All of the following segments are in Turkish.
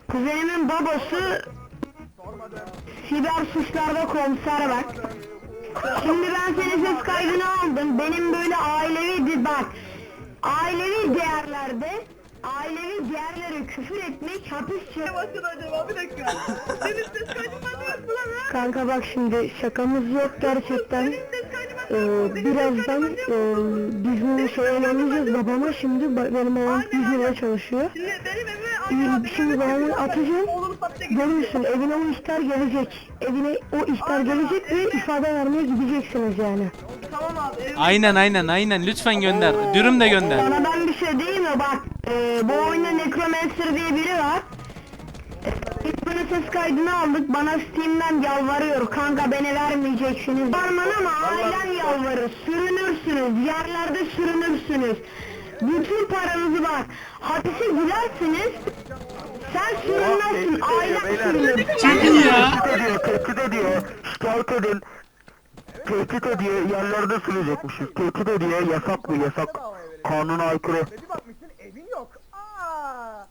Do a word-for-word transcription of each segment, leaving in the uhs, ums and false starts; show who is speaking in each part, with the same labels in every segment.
Speaker 1: Kuzenimin babası siber suçlarda komiser bak. Şimdi ben senin ses kaydını aldım. Benim böyle ailevi bak. Ailevi değerlerde ailevi değerlere küfür etmek hapis cezası.
Speaker 2: acaba bir dakika. Senin ses kaydın bende yok mu lan ha?
Speaker 1: Kanka bak şimdi şakamız yok gerçekten. Ee, birazdan e, biz bunu söylemeyeceğiz babama şimdi ba- benim babam yüz lira çalışıyor.
Speaker 2: Şimdi benim evime aynı
Speaker 1: Ee, şimdi babamı atacağım. Görürsün evine o ihtar gelecek. Evine o ihtar gelecek ve ifade vermeye gideceksiniz yani.
Speaker 2: Tamam abi. Evime...
Speaker 3: Aynen aynen aynen lütfen gönder. Dürüm de gönder.
Speaker 1: Sana ben bir şey diyeyim mi bak. E, bu oyunda Necromancer diye biri var. İsmini ses kaydını aldık, bana Steam'den yalvarıyor, kanka beni vermeyeceksiniz. Varman ama ailen yalvarır, sürünürsünüz, yerlerde sürünürsünüz. Bütün paranızı var, hapise gidersiniz, sen sürünmezsin, ailen sürünür.
Speaker 3: Çok iyi ya.
Speaker 4: Tehdit ediyor, tehdit ediyor. Şikayet edin. Tehdit ediyor, yerlerde sürecekmişiz. Tehdit ediyor, yasak bu, yasak. Kanuna aykırı.
Speaker 2: Bir bakmışsın evin yok. Aa!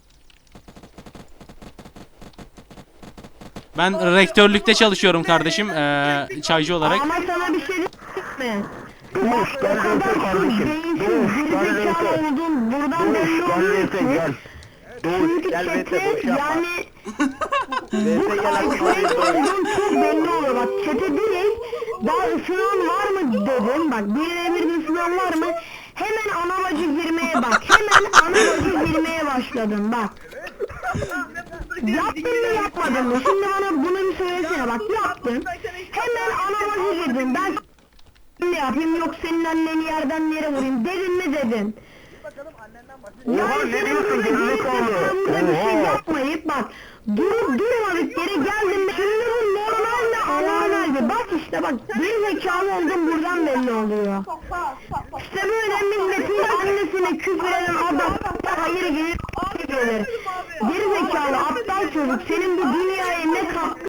Speaker 3: Ben rektörlükte çalışıyorum kardeşim. Ee, çaycı olarak.
Speaker 1: Ama sana bir şey diyeyim mi?
Speaker 4: Doğuş, gel
Speaker 1: O kadar
Speaker 4: Reyse
Speaker 1: şu
Speaker 4: kardeşim.
Speaker 1: beyinsiz,
Speaker 4: Doğuş, gel
Speaker 1: gerizekalı
Speaker 4: Reyse.
Speaker 1: oldun, buradan belli
Speaker 4: Doğuş, gel
Speaker 1: oluyor
Speaker 4: Reyse,
Speaker 1: ki.
Speaker 4: gel. Doğuş,
Speaker 1: Çünkü
Speaker 4: gel Reyse,
Speaker 1: çete
Speaker 4: boş yapma.
Speaker 1: yani
Speaker 4: Reyse
Speaker 1: bu
Speaker 4: gel
Speaker 1: alkolik olduğun çok belli oluyor bak çete direkt daha ısınan var mı dedim bak birine bir ısınan var mı hemen ana bacı girmeye bak hemen ana bacı girmeye başladın bak yaptın mı yapmadın mı şimdi bana bunu bir söylesene bak yaptın hemen ana bacı girdin ben ne yapayım yok senin anneni yerden yere vurayım dedin mi dedin.
Speaker 4: Oha,
Speaker 1: Yani
Speaker 4: ne
Speaker 1: senin
Speaker 4: diyorsun
Speaker 1: burada
Speaker 4: gerizekalı?
Speaker 1: gerizekalı bir şey
Speaker 4: Oha.
Speaker 1: yapmayıp bak durup durmadık yere geldim şimdi bu normal mi anormal mi bak işte bak gerizekalı oldum buradan belli oluyor. İşte böyle milletin annesine küfür eden adam hayır gelir gelir. Gerizekalı aptal çocuk senin bu dünyaya ne katkı